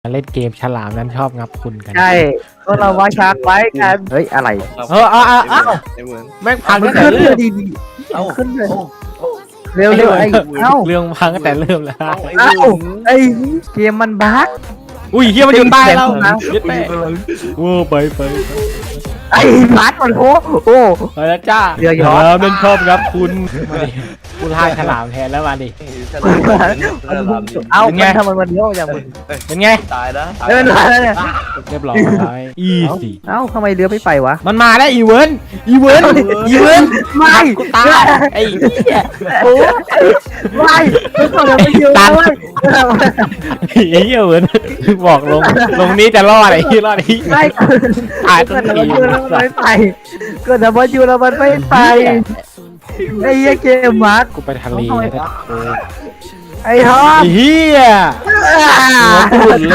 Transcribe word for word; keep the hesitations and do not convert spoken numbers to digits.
เล่นเกมฉลามนั้นชอบงับคุณกันใช่ก็เราว่าชาร์กไว้กันเฮ้ยอะไรเออเอาเอาเอาไอ้เหมือนแม่งพังมัตั้นงแต่ขึ้นเลเริ่ยมดีดีเอ้าขึ้นเลยเอ้าเร็วเร็วไอ้เอ้าเรื่องพังตั้งแต่เริ่มแล้วเอ้าไอ้เอ้าเหมือนไอ้เกมมันบั๊กอุ้ยเฮียมันอยู่ใต้เราตีแขนนะเย็ดแม่โอ้ไปไปไอ้บั๊กมันโอ้โอ้ไปแล้วจ้าเรือยอชต์แล้วเล่นชอบครับคุณมาดิกูล่าฉลามแทนแล้วมาดิฉลามฉลามเอ้าเป็นไงมันทำไมมันเลี้ยวอย่างมึงเป็นไงตายนะเดินมาแล้วเนี่ยเรียบร้อยอีสี่เอ้าทำไมเรือไม่ไปวะมันมาแล้วอีเวนอีเวนอีเวนไม่กูตายไอ้เหี้ยโอ้ไม่ไม่ต้องเดี๋ยวไปยืนแล้วเว้ยไอ้เหี้ยเวนบอกลงลงนี้จะรอดไอ้ที่รอดไอ้ไม่เกินตายเกิต้ดนแต่ทีมันยืนแล้วมันไม่ไปเกิดแต่มันยืนแล้วมันไม่ไปไอ้เหี้ยเกมมาร์กกูไปทะเลนะไอ้ทอมไอ้เหี้ยอ่าหัวกูหลุด